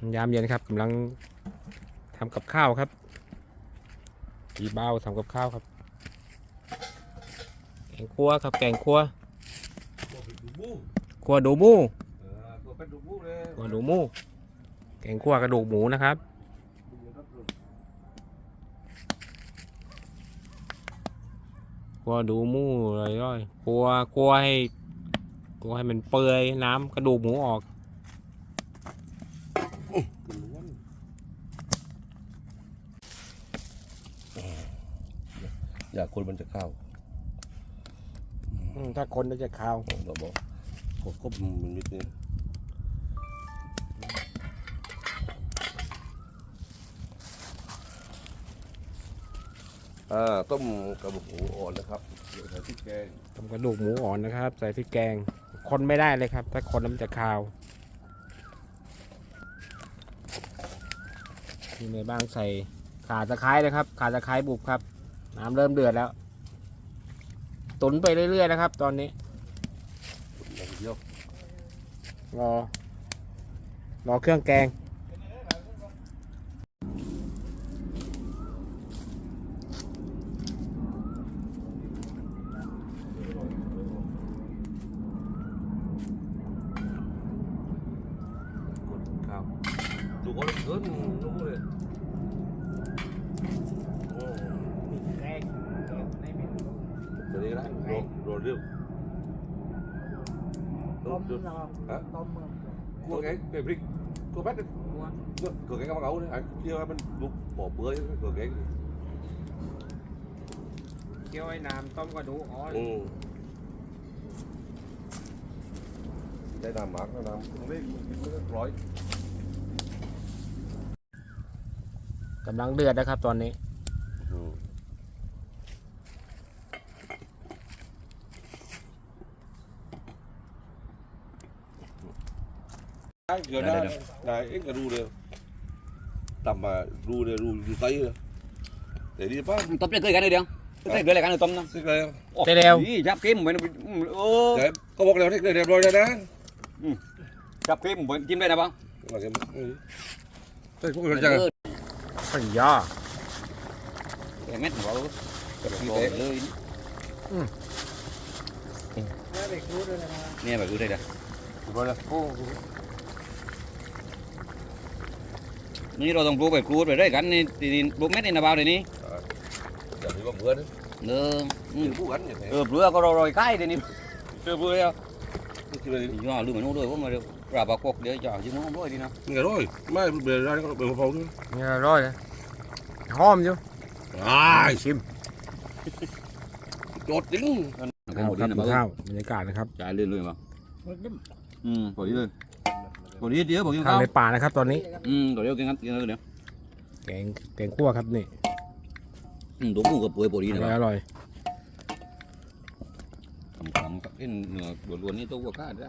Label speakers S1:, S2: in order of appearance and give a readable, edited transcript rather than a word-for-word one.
S1: ยามเย็นครับกำลังทำกับข้าวครับพี่เบ้าทำกับข้าวครับแกงคั่วครับแกงคั่วคั่วดูมูคั่วดูมูแกงคั่วกระดูกหมูนะครับคั่วดูมูเลยร่อยคั่วให้มันเปื่อยน้ำกระดูกหมูออก
S2: อยากคนมันจะเข้า
S1: ถ้าคนจะข้าว
S2: เราบอกผมก็มันนิดนึงต้มกระดูกหมูอ่อนนะครับเดี๋ยวใส่พริกแกง
S1: ต้มกระดูกหมูอ่อนนะครับใส่พริกแกงคนไม่ได้เลยครับถ้าคนมันจะข้าวที่ในบ้างใส่ข่าตะไคร้นะครับข่าตะไคร้บุบครับน้ำเริ่มเดือดแล้วตุ๋นไปเรื่อยๆนะครับตอนนี้รอเครื่องแกง
S2: ดูเขาเกินรู้เลยตัวนี้ได้โรเรื่องต้มcua cái brick cua bét cửa cái con gấu đấy anh kiaมันลุกบ่อเปื่อยcửa cái
S1: เคี่ยวไอ้น้ำต้มกระดูกอ่อน
S2: ได้น้ำหมักแล้วน้ำเล็กกินไม่ได้ร้อย
S1: กำลังเดือดนะครับตอนนี้
S2: เกิดได้เอ็งก็รู้เลยต่ำมารู้เลยรู้อยู่ไตเลยแต่ดีป่ะ
S3: ต้มจะเคยกันเลยเดียวเคยเลยกันเลยต้มนะ
S2: สิเลย
S1: เร็ว
S3: จับเค็มเหมือน
S2: แต่ก็บอกแล้วที่เรียบร้อยแล้วนะ
S3: จับเค็มเหมือนจิ้มได้นะบ้าง
S2: ใช่พวกเราจัง
S1: ขันย่อ
S3: เม็ดหัวเลยเนี่ยแบบรู้ได้เลยนี่เราต้องปลูกแบบกรูดไปด้วยกันนี่ตีนปลูกเม็ดนี่นะบ่าวเดี๋ยวนี้
S2: อย่าไปว่าเบื่อนะปลูกกันอย่างไร
S3: เปลือกก็โรยใกล้เดี๋ยวนี้
S2: เบื่อแล้ว
S3: ย่าลืมมันนู้นด้วยว่ามาเดี๋ยวราบกกเดี๋ยวจ่อจิ้มน้องด้วยดีนะ
S2: นี่ก็ร้อยไม่เบื่อได้ก็เบื่อพอๆด้วย
S1: นี่ร้อยเลยหอมอยู่
S2: ชิมโดดจริง
S1: ข้าวบรรยากาศนะครับ
S3: จ่ายเรื่อยๆมั้งพอดีเลยพอดีเดี๋ยวบอกกินข้าว
S1: ในป่านะครับตอนนี้
S3: เดี๋ยวกินกันกินเลยเดี๋ยว
S1: แกงคั่วครับนี่
S3: ตัวผู้กับป่วยพอดีนะ
S1: อร่อย
S3: ขำๆกับเอ็นเนื้อล้วนๆนี่ตัววัวข้าด้วย